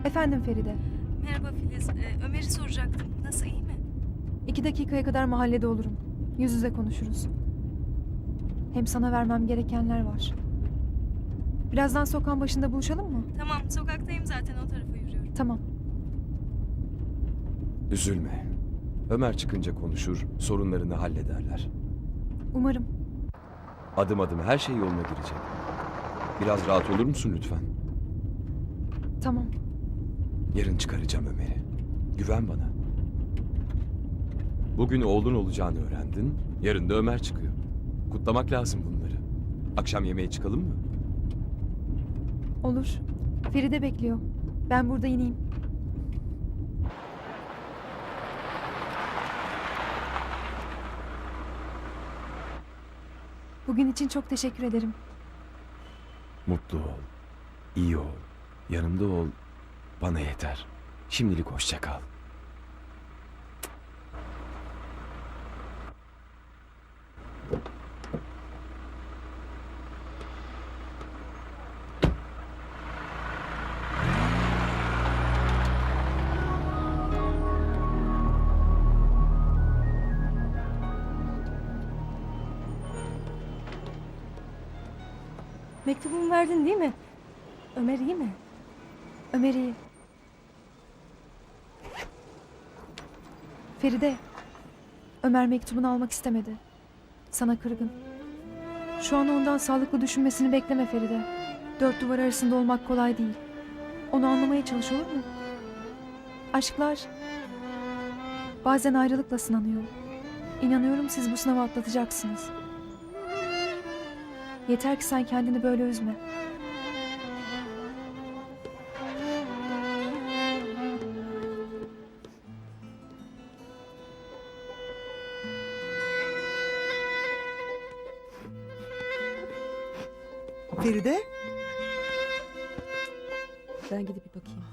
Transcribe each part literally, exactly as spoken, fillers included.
Efendim Feride. Merhaba Filiz. Ee, Ömer'i soracaktım. Nasıl, iyi mi? İki dakikaya kadar mahallede olurum. Yüz yüze konuşuruz. Hem sana vermem gerekenler var. Birazdan sokağın başında buluşalım mı? Tamam, sokaktayım zaten, o tarafa yürüyorum. Tamam. Üzülme. Ömer çıkınca konuşur, sorunlarını hallederler. Umarım. Adım adım her şey yoluna girecek. Biraz rahat olur musun lütfen? Tamam. Yarın çıkaracağım Ömer'i. Güven bana. Bugün oğlun olacağını öğrendin, yarın da Ömer çıkıyor. Kutlamak lazım bunları. Akşam yemeğe çıkalım mı? Olur. Feride bekliyor. Ben burada ineyim. Bugün için çok teşekkür ederim. Mutlu ol, iyi ol, yanımda ol, bana yeter. Şimdilik hoşça kal. Mektubumu verdin değil mi? Ömer iyi mi? Ömer iyi. Feride. Ömer mektubunu almak istemedi. Sana kırgın. Şu an ondan sağlıklı düşünmesini bekleme Feride. Dört duvar arasında olmak kolay değil. Onu anlamaya çalış, olur mu? Aşklar bazen ayrılıkla sınanıyor. İnanıyorum siz bu sınavı atlatacaksınız. Yeter ki sen kendini böyle üzme. Feride? Ben gidip bir bakayım.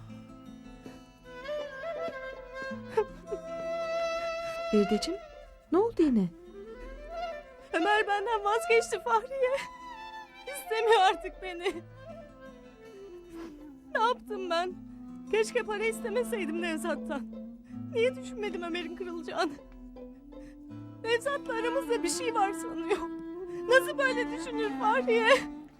Feride'cim, ne oldu yine? Ömer benden vazgeçti Fahriye. İstemiyor artık beni. Ne yaptım ben? Keşke para istemeseydim Nevzat'tan. Niye düşünmedim Ömer'in kırılacağını? Nevzat'la aramızda bir şey var sanıyor. Nasıl böyle düşünür Fahriye?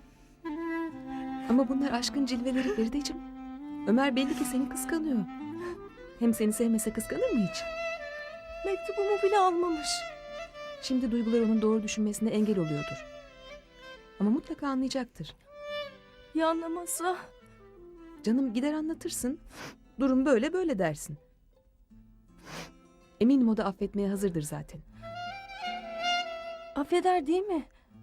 Ama bunlar aşkın cilveleri Feride'cim. Ömer belli ki seni kıskanıyor. Hem seni sevmese kıskanır mı hiç? Mektubumu bile almamış. Şimdi duygular onun doğru düşünmesine engel oluyordur. Ama mutlaka anlayacaktır. Ya anlamazsa? Canım, gider anlatırsın. Durum böyle böyle dersin. Eminim o da affetmeye hazırdır zaten. Affeder değil mi?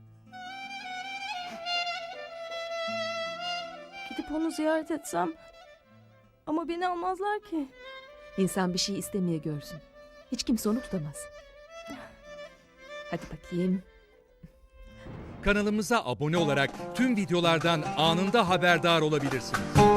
Gidip onu ziyaret etsem. Ama beni almazlar ki. İnsan bir şey istemeye görsün. Hiç kimse onu tutamaz. Hadi bakayım. Kanalımıza abone olarak tüm videolardan anında haberdar olabilirsiniz.